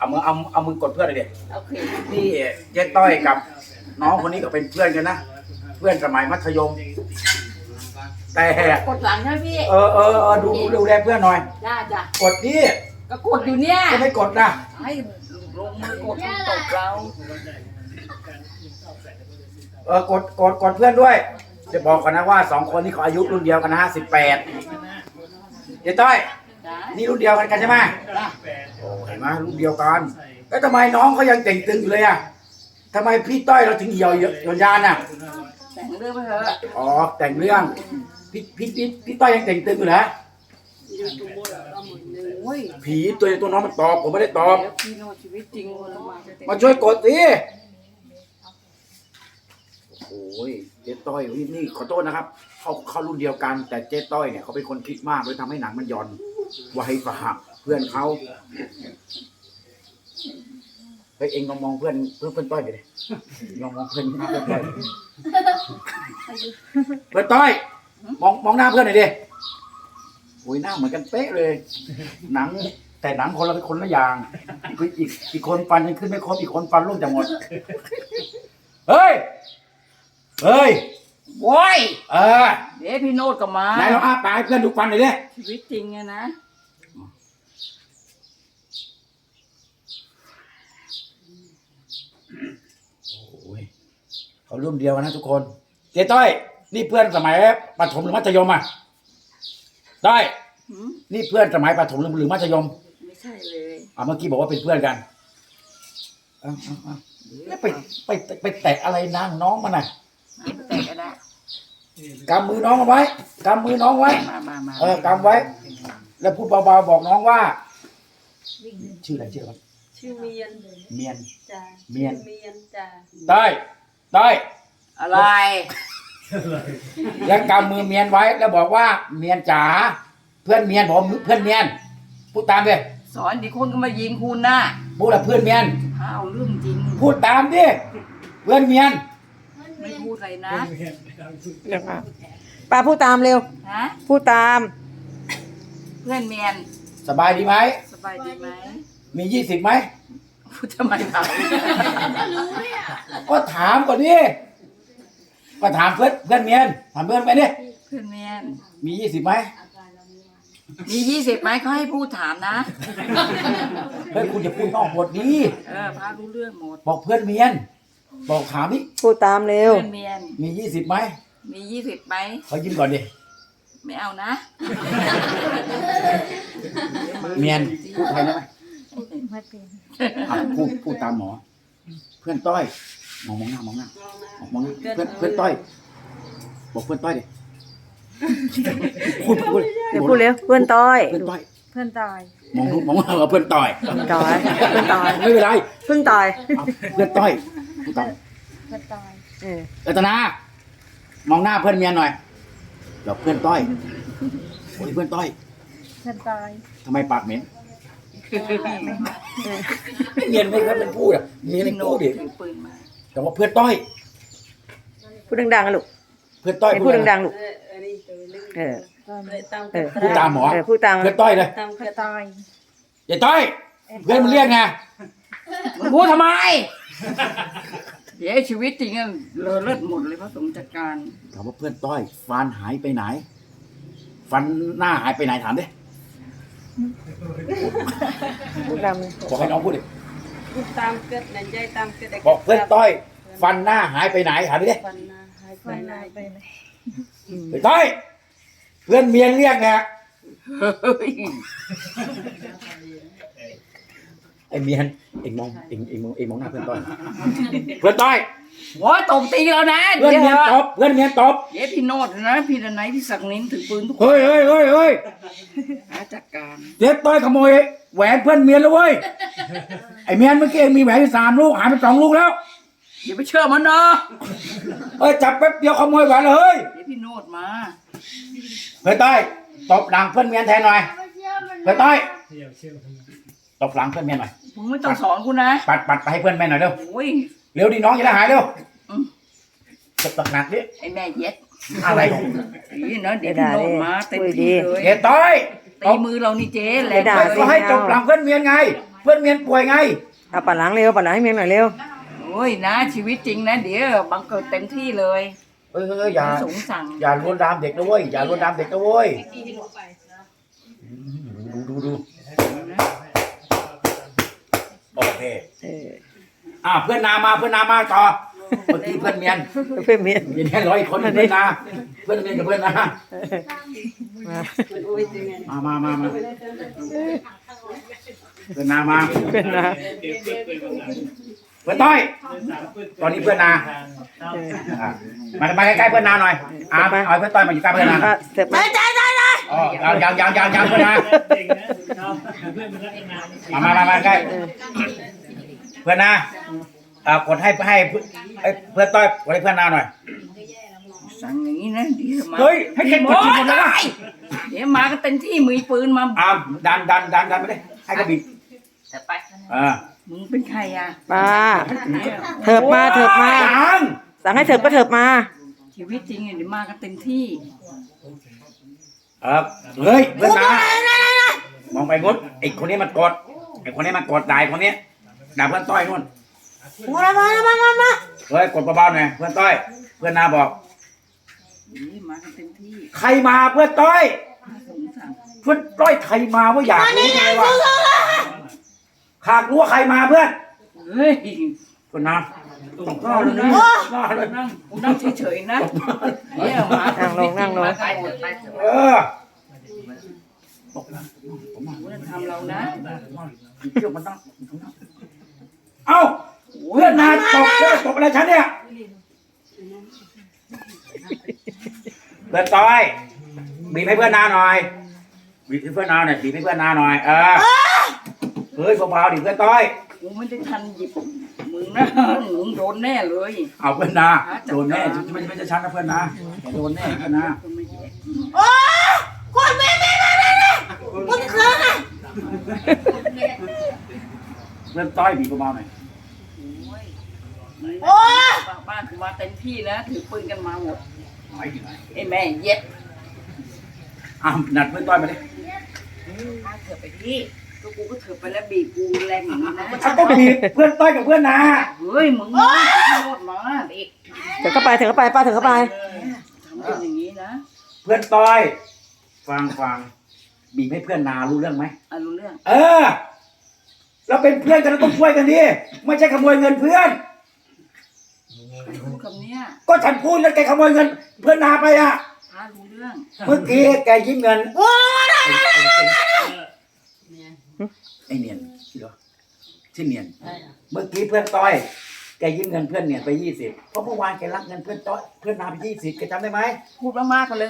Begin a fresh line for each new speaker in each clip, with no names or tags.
เอามือกดเพื่อนเลยดิ
โอเค
นี่เจ๊ต้อยกับน้องคนนี้ก็เป็นเพื่อนกันนะเพื่อนสมัยมัธยมแต่
กดหลังนะพี่
ดูแลเพื่อนหน่อย
จ้ะ
กดดิ
ก็กดอยู่เนี่ย
ก็ไม่กดนะ
ให้ลงมือกดตบเรา
กดเพื่อนด้วยจะบอกก่อนนะว่า2คนนี้เขาอายุรุ่นเดียวกันนะฮะ18เจ๊ต้อย
จ้ะ
นี่รุ่นเดียวกันใช่ไหม
จ้ะ
โอ้เห็นไหมรุ่นเดียวกันแล้วทำไมน้องเขายังเต่งตึงอยู่เลยอ่ะทำไมพี่ต้อยเราถึงเหี่ยวยานอ่ะ
แต่งเรื่องไปเถอะ
อ๋อแต่งเรื่องพี่ต้อยยังเต่งตึงอยู่เหรอ
โอ้ย
ผีตัวน้องมันตอบผมไม่ได้ตอบ
เดี๋ยวพี่โนชีวิตจริงเรา
มาช่วยกดสิโอ้ยเจ๊ต้อยนี่ขอโทษนะครับเขารุ่นเดียวกัน แต่เจ๊ต้อยเนี่ยเขาเป็นคนคิดมากเลยทำให้หนังมันย่อนไวกว่าเพื่อนเขาเฮ้ยเองลองมองเพื่อนต้อยไปเลยลองมองเพื่อนต้อยเพื่อนต้อยมองหน้าเพื่อนหน่อยดิโอ้ยหน้าเหมือนกันเป๊ะเลยหนังแต่หนังคนละคนละอย่างอีกคนฟันยังขึ้นไม่ครบอีกคนฟันร่วงจะหมดเฮ้ย
โว้ย
เออ
เดี๋ยวพี่โนดก็มา
ไหนลองอ้าปากให้เพื่อนดูฟันหน่อยดิ
ชีวิตจริงไงนะ
โอ้ยเขารุ่นเดียวกันนะทุกคนเจ๊ต้อยนี่เพื่อนสมัยประถมหรือมัธยมอ่ะต้อยนี่เพื่อนสมัยประถมหรือมัธยม
ไม่ใช่เลย
เมื่อกี้บอกว่าเป็นเพื่อนกันเอาแล้วไปแตะอะไรนางน้องมันน่ะ
แต่ก็ได้
กำมือน้องเอาไว้กำมือน้องไว้
มา
กำไว้ แล้วพูดเบาๆบอกน้องว่าชื่ออะไร
ชื่อเมียน
เมียน
จ้า
เมียน
เมียนจ้า
ต้อย
อะไร
แล้วกำมือเมียนไว้แล้วบอกว่าเมียนจ๋าเพื่อนเมียนผมเพื่อนเมียนพูดตามดิ
สอนดิคนก็มายิงคุณนะ
พูดละเพื่อนเมียน
ถ้าเอาเรื่องจริง
พูดตามดิเพื่อนเมียน
ไม่พูดอะไรนะ
เดี๋ยวค่ะป้าพูดตามเร็ว
ฮะ
พูดตาม
เพื่อนเมียน
สบายดีไหม
สบายดีไหม
มี20ไหม
พูดทำไมถาม
ก็ถามก่อนดิก็ถามเพื่อนเมียนถามเพื่อนไปดิ
เพื่อนเมียน
มี20ไหม
มี20ไหมเขาให้พูดถามนะ
เฮ้ยคุณอย่าพูดนอกบทนี้
พารู้เรื่องหมด
บอกเพื่อนเมียน บอกถามดิ
พูดตามเร็ว
เพื่อนเมียน
มี20ไหม
มี20ไหม
เขายิ้มก่อนดิ
ไม่เอานะ
เมียนพูดไทยได้ไหมพูดตามหมอ เพื่อนต้อยมองหน้ามองหน้าเพื่อนต้อยบอกเพื่อนต้อยดิพูด
เดี๋ยวพูดเร็วเพื่อนต้อย
เพื่อนต้อย
เพื่อนตาย
มองเพื่อนต้อย
เพื่อนตายเพื่อนตาย
ไม่เป็นไร
เพิ่งตาย
เพื่อนต้อยพูดตาม
เพื่อนตาย
รัตนามองหน้าเพื่อนเมียหน่อยบอกเพื่อนต้อยโอ้ยเพื่อนต้อย
เพื่อนตาย
ทำไมปากเหม็นเมียนไม่เคยเป็นพูดอ่ะเมียนเป็นพูดดิ
ถือปืนมา
แต่ว่าเพื่อนต้อย
พูดดังๆนะลูก
เพื่อนต้อย
พูดดังๆลูก
อันนี้ตัวลึก
เออ
เลยตาม
พูดตามหมอ
พูดตาม
เพื่อนต้อยเลย
ตาม
เพื่อนตาย
อย่าต้อยเพื่อนมันเรียกไง
มึงพูดทำไม เดี๋ยวชีวิตจริงอะเลอะเลิศหมดเลยพระสงฆ์จัดการ
ถามว่าเพื่อนต้อยฟันหายไปไหน ฟันหน้าหายไปไหนถามดิ
พูดดัง
บอกให้น้องพูดดิ
ตามเกิดในใจตามเกิด
บอกเพื่อนต้อย ฟันหน้าหายไปไหนถามดิ
ฟันนาหายไปไหน
เพื่อนต้อย เพื่อนเมียเรียกไง
เฮ้ย
ไอ้เมียนเอ็งมองหน้าเพื่อนต้อย เพื่อนต้อย
โว้ยตบตีแล้วนะ
เพื่อนเมียนตบเพื่อนเมียนตบ
เดี๋ยวพี่โนดนะ พี่ดนัยพี่ศักดิ์นินถือปืนทุกคน
เฮ้ย
หาจัดการ
เจ๊ต้อยขโมยแหวนเพื่อนเมียนแล้วเว้ย ไอ้เมียนเมื่อกี้เองมีแหวนอยู่3 ลูกหายไป2 ลูกแล้ว
อย่าไปเชื่อมันนะ
จับแป๊บเดียวขโมยแหวนเลย
เดี๋ยวพี่โนดมา
เพื่อนต้อยตบหลังเพื่อนเมียนแทนหน่อย เพื่อนต้อยตบหลังเพื่อนเมียนหน่อย
มึงไม่ต้องสอนกูนะ
ปัดไปให้เพื่อนแม่หน่อยเร็ว
โอ้ย
เร็วดิน้องจะได้หายเร็วตบหนักดิ
ไอ้แม่เย็ด
อะไรของ
นี่นะเดี๋ยวพี่โนดมาเต็มที่เลย
เจ๊ต้อย
ตีมือเรานี่เจ๊แหละ
ก็ให้ตบหลังเพื่อนเมียนไงเพื่อนเมียนป่วยไง
เอาปั่นหลังเร็วปั่นหลังให้เมียหน่อยเร็ว
โอ้ยนะชีวิตจริงนะเดี๋ยวบังเกิดเต็มที่เลย
อย่า
พระสงฆ์สั่ง
อย่าลวนลามเด็กนะเว้ยอย่าลวนลามเด็กนะเว้ยดูโอเค เพื่อนนามาต่อเมื่อกี้เพื่อนเมียน
เพื่อนเมีย
มีแค่100 คนเพื่อนนาเพื่อนเมียนกับเพื่อนนา
มา
โอ้ยจริงไง
มาเพื่อนนามา
เพื่อนนะ
เพื่อนต้อยตอนนี้เพื่อนนามาใกล้ๆเพื่อนนาหน่อยเอาเพื่อนต้อยมาอยู่ใกล้เพื่อนนา
เสร็จไหม
อ๋อยังเพื่อนนามาใกล้เพื่อนนากดให้เพื่อนต้อยกดให้เพื่อนนาหน่อย
สั่งอย่างนี้นะเดี๋ยวมา
เฮ้ยให้เก็บกดทีหมดเลยนะ
เดี๋ยวมากันเต็มที่มีปืนมา
ดันไปเลยให้กระบี่
แต่ไป มึงเป็นใครอ่ะ
ป้าเถิบมา
ยัง
สั่งให้เถิบก็เถิบมา
ชีวิตจริงเนี่ยเดี๋ยวมากันเต็มที่
เฮ้ยเพื่อนนามองไปงดไอ้คนนี้มันกดด่าคนนี้ด่าเพื่อนต้อยนู่นมาเฮ้ยกดเบาๆหน่อยเพื่อนต้อยเพื่อนนาบอก
นี่มากันเต็มที่
ใครมาเพื่อนต้อย
พระสงฆ์สั่ง
เพื่อนต้อยใครมาว่าอยากรู้ไงวะหากรู้ว่าใครมาเพื่อน
เฮ้ย
เพื่อนนา
ก็เลยนะนั่งเฉยๆนะเดี๋ยวมา
นั่งลง
ไปหมดไป ทำเรานะ
เชื่อมันต้องเอ้าเพื่อนนาตบอะไรฉันเนี่ยเพื่อนต้อยบีบให้เพื่อนนาหน่อยบีบให้เพื่อนนาหน่อยบีบให้เพื่อนนาหน่อยเฮ้ยเบาๆดิเพื่อนต้อย
กูไม่ได้ทันหยิบมึงนะมึงโดนแน่เลย
เอาเพื่อนนาโดนแน่ไม่ใช่ฉันนะเพื่อนนาโดนแน่เพื่อนนา
ก็ไม่แย่
เพื่อนต้อยบีบเบาๆหน่อย
โอ้ยบ้านกูมาเต็มที่นะถือปืนกันมาหมดไอ้แม่เย็ด
นัดเพื่อนต้อยมาดิ
เถอะไปที่ก็กูก็เถอะไปแล้วบีบกูแรงอย่างนี้นะ
ฉันก็บีบเพื่อนต้อยกับเพื่อนนา
เฮ้ยมึงมาโคตรมาเด็ก
เถิบเข้าไปป้าเถิบเข้าไป
ทำเป็นอย่างนี้นะ
เพื่อนต้อยฟังบีบให้เพื่อนนารู้เรื่องไหม
รู้เรื่อง
เราเป็นเพื่อนกันเราต้องช่วยกันดิไม่ใช่ขโมยเงินเพื่อน
พูดคำเนี้ย
ก็ฉันพูดแล้วแกขโมยเงิน เพื่อนนาไปอ่ะ
พารู้เรื่อง
เมื่อกี้แกยิ้มเงินไอเนียนชื่อเหรอชื่อเนียนเมื่อกี้เพื่อนต้อยแกยิ้มเงินเพื่อนเนียนไป20เพราะเมื่อวานแกรับเงินเพื่อนต้อยเพื่อนนาไป20แกจำได้ไหม
พูดมากๆกันเลย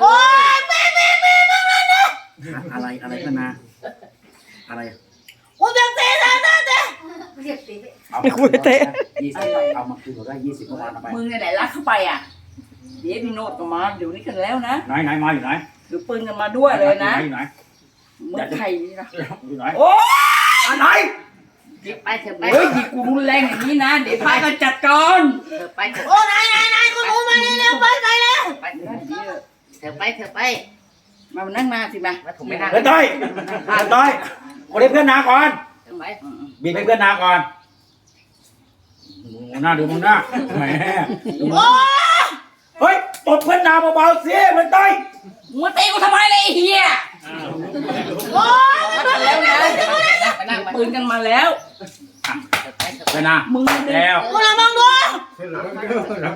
อะไรเพื่อนนาอะไร
ไม่คุยเตะ
เอามาคืนเราได้20เมื่อวานเอาไป
มึงเนี่ยไหนรักเข้าไปอ่ะเดี๋ยวพี่โนดก็มาเดี๋ยวนี้กันแล้วนะ
ไหนมาอยู่ไหน
ถือปืนกันมาด้วยเลยนะ
อยู่ไหน
มึงใครนี่นะ
อยู่ไหน
โอ้
อะไร
เดี๋ยวไปเถอะไปเฮ้ยยิงกูรุนแรงอย่างนี้นะเดี๋ยวพากันจัดการเถอะไปเถอะโอ้นายกูรู้มาเร็วไปแล้วไปเถอะเถอะไปมานั่งมาสิมาผมไม่นั่ง
เพื่อนต้อยคนนี้เพื่อนนาก่อนบีบให้เพื่อนนาก่อนหน้าดูมึงหน้าแหมเฮ้ยตบเพื่อนนาเบาๆสิเพื่อนต้อย
มึงตีกูทำไมเลยไอ้เฮียโอ้ยมาแล้วนะปืนกันมาแล้ว
เพื่อนนา
มึง
แล้ว
มึงมองดู